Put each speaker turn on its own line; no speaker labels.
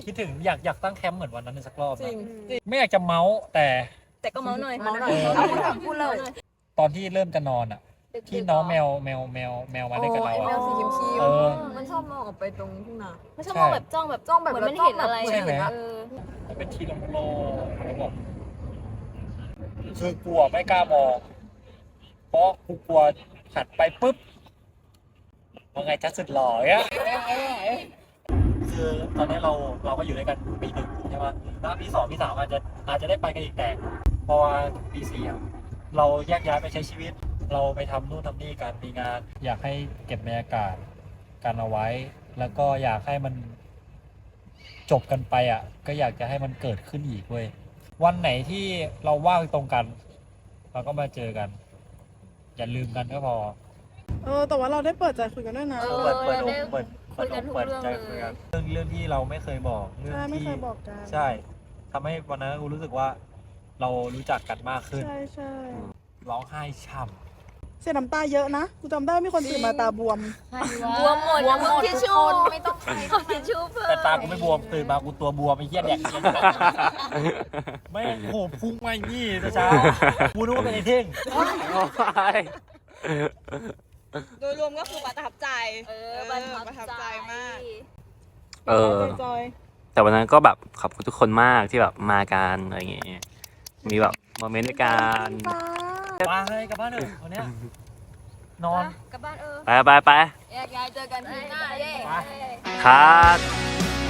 คิดถึงอยากตั้งแคมป์เหมือนวันนั้นสักรอบ
จริง
ไม่อยากจะเมาส์แต่
ก็เมาหน่อย
พูดเลย
ตอนที่เริ่มจะนอนอ่ะ ที่น้องแมวมาเล่นกับเรา
แม
อ่ะ
วสีเขียว
เออ
มันชอบมองออกไปตรงทุ่งนา
ไม่ใช่มองแบบจ้องแบบเหมือนมันเห็นอะไร
ใช่ไหม
เออ
มันเป็นที่โล่งๆแล้วบอกคือกลัวไม่กล้ามองเพราะกูกลัวหันไปปุ๊บว่าไงจะสุดหล่ออ่ะคือตอนนี้เราก็อยู่ด้วยกันปีหนึ่งใช่ไหมแล้วปีสองปีสามอาจจะได้ไปกันอีกแต่พอปีสี่อะเราแยกย้ายไปใช้ชีวิต เราไปทำนู่นทำนี่กันมีงาน อยากให้เก็บบรรยากาศกันเอาไว้ แล้วก็อยากให้มันจบกันไปอ่ะ ก็อยากจะให้มันเกิดขึ้นอีกเว้ยวันไหนที่เราว่างตรงกัน เราก็มาเจอกัน อย่าลืมกันก็พอ
แต่ว่าเราได้เปิดใจคุยกันด้วยนะ
เปิดอก
คุยกันทุกเรื่อง
ใจคุยกันเรื่องที่เราไม่เคยบอกเรื่อง
ใช่ไม่
ที่
เคยบอกกัน
ใช่ทำให้วันนั้นกูรู้สึกว่า เรารู้จักกันมากขึ้น
ใช่ใช่
ร้องไห้ช่
เสียน้ำตาเยอะนะกูจำได้มีคนตื่นมาตาบวม
บวมหมดทิชชู่ไม่ต้องใช้ทิชชู่เพิ่
ำ
ม
แต่ตากูไม่บวมตื่นมากูตัวบวมไอ้เหี้ยแดกเหี้ยไม่งโหพุ่งมาอย่างนี้แต่เช้ากูนึกว่าเป็นไอ้เท่ง
โดยรวมก็คือประทับใจ
ประทับใจมาก
จอย
แต่วันนั้นก็แบบขอบคุณทุกคนมากที่แบบมากันอะไรอย่างเงี้ยมีแบบโมเมนต์ในการ
มาเลยกลับบ้านเถอะวันเนี้ยนอน
กลับบ้าน
ไป
แยกย้ายเจอกันที่หน้าเย้
คัด